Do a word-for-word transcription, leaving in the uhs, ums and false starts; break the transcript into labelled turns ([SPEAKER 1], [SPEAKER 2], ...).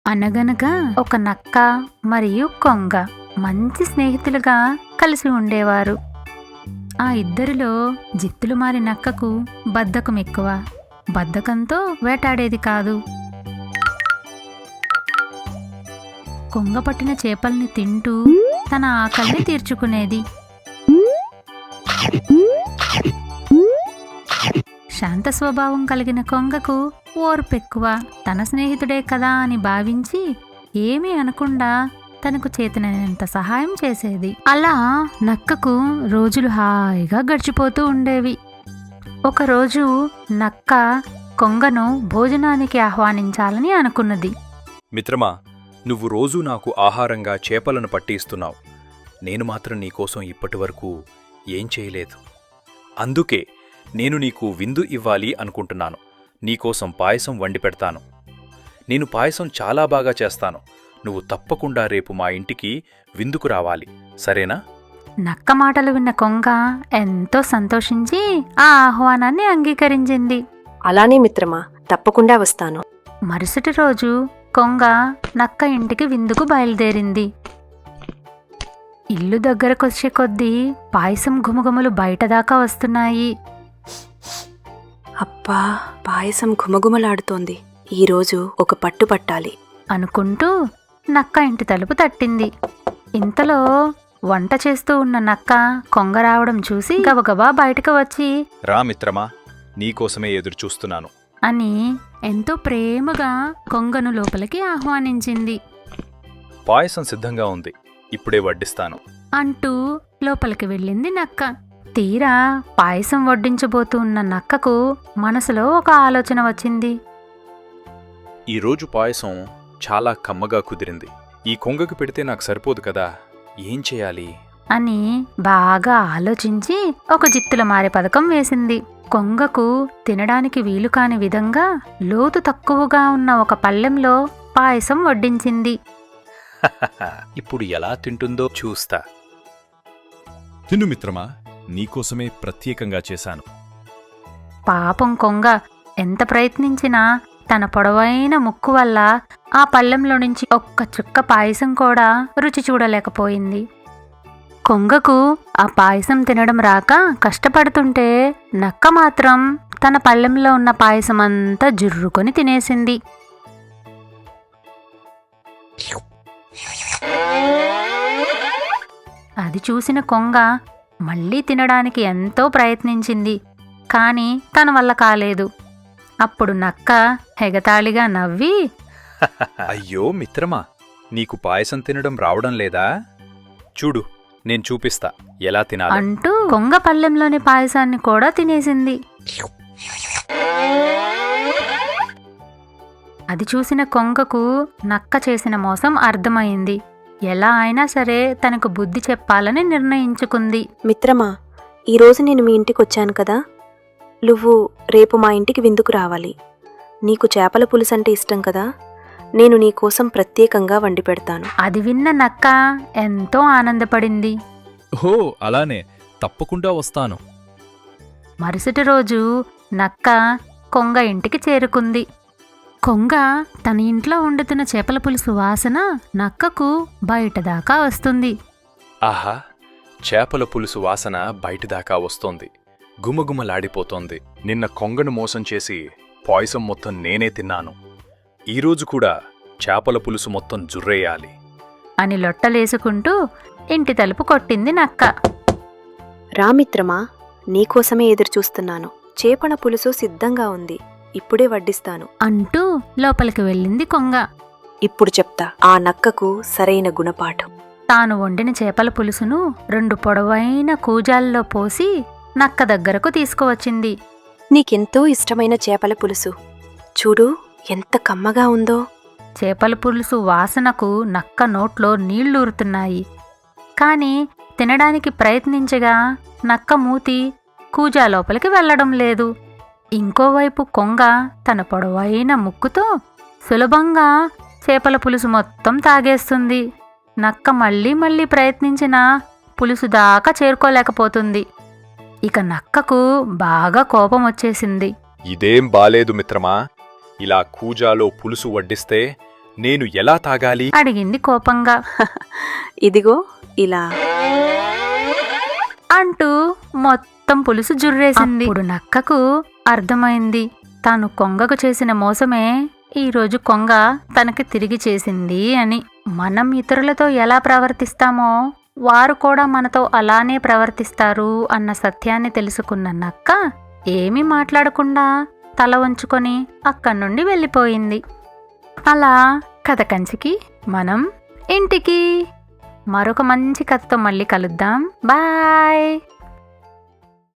[SPEAKER 1] అనగనగా ఒక నక్క మరియు కొంగ మంచి స్నేహితులుగా కలిసి ఉండేవారు. ఆ ఇద్దరిలో జిత్తులు మారి నక్కకు బద్ధకం ఎక్కువ. బద్ధకంతో వేటాడేది కాదు. కొంగ పట్టిన చేపల్ని తింటూ తన ఆకలిని తీర్చుకునేది. శాంత స్వభావం కలిగిన కొంగకు ఓర్పెక్కువ. తన స్నేహితుడే కదా అని భావించి ఏమీ అనకుండా తనకు చేతనైనంత సహాయం చేసేది. అలా నక్కకు రోజులు హాయిగా గడిచిపోతూ ఉండేవి. ఒకరోజు నక్క కొంగను భోజనానికి ఆహ్వానించాలని అనుకున్నది.
[SPEAKER 2] మిత్రమా, నువ్వు రోజూ నాకు ఆహారంగా చేపలను పట్టిస్తున్నావు. నేను మాత్రం నీకోసం ఇప్పటివరకు ఏం చేయలేదు. అందుకే నేను నీకు విందు ఇవ్వాలి అనుకుంటున్నాను. నీకోసం పాయసం వండి పెడతాను. నేను పాయసం చాలా బాగా చేస్తాను. నువ్వు తప్పకుండా రేపు మా ఇంటికి విందుకు రావాలి, సరేనా?
[SPEAKER 1] నక్క మాటలు విన్న కొంగ ఎంతో సంతోషించి ఆ ఆహ్వానాన్ని అంగీకరించింది.
[SPEAKER 3] అలానే మిత్రమా, తప్పకుండా వస్తాను.
[SPEAKER 1] మరుసటి రోజు కొంగ నక్క ఇంటికి విందుకు బయలుదేరింది. ఇల్లు దగ్గరకొచ్చే కొద్దీ పాయసం ఘుమఘుమలు బయటదాకా వస్తున్నాయి.
[SPEAKER 3] అబ్బా, పాయసం ఘుమఘుమలాడుతోంది. ఈరోజు ఒక పట్టు పట్టాలి
[SPEAKER 1] అనుకుంటూ నక్క ఇంటి తలుపు తట్టింది. ఇంతలో వంట చేస్తూ ఉన్న నక్క కొంగ రావడం చూసి గబగబా బయటకు వచ్చి,
[SPEAKER 2] రా మిత్రమా, నీకోసమే ఎదురుచూస్తున్నాను
[SPEAKER 1] అని ఎంతో ప్రేమగా కొంగను లోపలికి ఆహ్వానించింది.
[SPEAKER 2] పాయసం సిద్ధంగా ఉంది, ఇప్పుడే వడ్డిస్తాను
[SPEAKER 1] అంటూ లోపలికి వెళ్ళింది నక్క. తీరా పాయసం వడ్డించబోతూ ఉన్న నక్కకు మనసులో ఒక ఆలోచన వచ్చింది.
[SPEAKER 2] ఈరోజు పాయసం చాలా కమ్మగా కుదిరింది. ఈ కొంగకు పెడితే నాకు సరిపోదు కదా, ఏం చేయాలి
[SPEAKER 1] అని బాగా ఆలోచించి ఒక జిత్తుల మారే పథకం వేసింది. కొంగకు తినడానికి వీలు కాని విధంగా లోతు తక్కువగా ఉన్న ఒక పళ్ళెంలో పాయసం వడ్డించింది.
[SPEAKER 2] ఇప్పుడు ఎలా తింటుందో చూస్తా.
[SPEAKER 4] తిను మిత్రమా, నీకోసమే ప్రత్యేకంగా చేశాను.
[SPEAKER 1] పాపం కొంగ ఎంత ప్రయత్నించినా తన పొడవైన ముక్కు వల్ల ఆ పళ్ళెంలో నుంచి ఒక్క చుక్క పాయసం కూడా రుచి చూడలేకపోయింది. కొంగకు ఆ పాయసం తినడం రాక కష్టపడుతుంటే నక్క మాత్రం తన పళ్ళెంలో ఉన్న పాయసం అంతా జుర్రుకొని తినేసింది. అది చూసిన కొంగ మళ్ళీ తినడానికి ఎంతో ప్రయత్నించింది. కాని తన వల్ల కాలేదు. అప్పుడు నక్క ఎగతాళిగా నవ్వి,
[SPEAKER 2] అయ్యో మిత్రమా, నీకు పాయసం తినడం రావడం లేదా? చూడు, నేను చూపిస్తా ఎలా తినాలి
[SPEAKER 1] అంటూ కొంగ పళ్ళెంలోని పాయసాన్ని కూడా తినేసింది. అది చూసిన కొంగకు నక్క చేసిన మోసం అర్థమైంది. ఎలా అయినా సరే తనకు బుద్ధి చెప్పాలని నిర్ణయించుకుంది.
[SPEAKER 3] మిత్రమా, ఈరోజు నేను మీ ఇంటికి వచ్చాను కదా, నువ్వు రేపు మా ఇంటికి విందుకు రావాలి. నీకు చేపల పులుసంటే ఇష్టం కదా, నేను నీకోసం ప్రత్యేకంగా వండి పెడతాను.
[SPEAKER 1] అది విన్న నక్క ఎంతో ఆనందపడింది.
[SPEAKER 4] ఓ అలానే, తప్పకుండా వస్తాను.
[SPEAKER 1] మరుసటి రోజు నక్క కొంగ ఇంటికి చేరుకుంది. కొంగ తన ఇంట్లో వండుతున్న చేపల పులుసు వాసన నక్కకు బయటదాకా వస్తుంది.
[SPEAKER 2] ఆహా, చేపల పులుసు వాసన బయటిదాకా వస్తోంది, గుమగుమలాడిపోతోంది. నిన్న కొంగను మోసం చేసి పాయసం మొత్తం నేనే తిన్నాను. ఈరోజు కూడా చేపల పులుసు మొత్తం జుర్రేయాలి
[SPEAKER 1] అని లొట్టలేసుకుంటూ ఇంటి తలుపు కొట్టింది నక్క.
[SPEAKER 3] రా మిత్రమా, నీకోసమే ఎదురుచూస్తున్నాను. చేపల పులుసు సిద్ధంగా ఉంది, ఇప్పుడే వడ్డిస్తాను
[SPEAKER 1] అంటూ లోపలికి వెళ్ళింది కొంగ.
[SPEAKER 3] ఇప్పుడు చెప్తా ఆ నక్కకు సరైన గుణపాఠం.
[SPEAKER 1] తాను వండిన చేపల పులుసును రెండు పొడవైన కూజాల్లో పోసి నక్క దగ్గరకు తీసుకువచ్చింది.
[SPEAKER 3] నీకెంతో ఇష్టమైన చేపల పులుసు, చూడు ఎంత కమ్మగా ఉందో.
[SPEAKER 1] చేపల పులుసు వాసనకు నక్క నోట్లో నీళ్లూరుతున్నాయి. కాని తినడానికి ప్రయత్నించగా నక్క మూతి కూజా లోపలికి వెళ్లడం లేదు. ఇంకోవైపు కొంగ తన పొడవైన ముక్కుతో సులభంగా చేపల పులుసు మొత్తం తాగేస్తుంది. నక్క మళ్ళీ మళ్ళీ ప్రయత్నించినా పులుసు దాకా చేరుకోలేకపోతుంది. ఇక నక్కకు బాగా కోపం వచ్చేసింది.
[SPEAKER 2] ఇదేం బాలేదు మిత్రమా, ఇలా కూజాలో పులుసు వడ్డిస్తే నేను ఎలా తాగాలి?
[SPEAKER 1] అడిగింది కోపంగా.
[SPEAKER 3] ఇదిగో ఇలా
[SPEAKER 1] అంటూ మొత్తం పులుసు జుర్రేసింది. ఇప్పుడు నక్కకు అర్థమైంది తాను కొంగకు చేసిన మోసమే ఈరోజు కొంగ తనకి తిరిగి చేసింది అని. మనం ఇతరులతో ఎలా ప్రవర్తిస్తామో వారు కూడా మనతో అలానే ప్రవర్తిస్తారు అన్న సత్యాన్ని తెలుసుకున్న నక్క ఏమీ మాట్లాడకుండా తల వంచుకొని అక్కడి నుండి వెళ్ళిపోయింది. అలా కథ కంచికి మనం ఇంటికి. మరొక మంచి కథతో మళ్ళీ కలుద్దాం. బాయ్.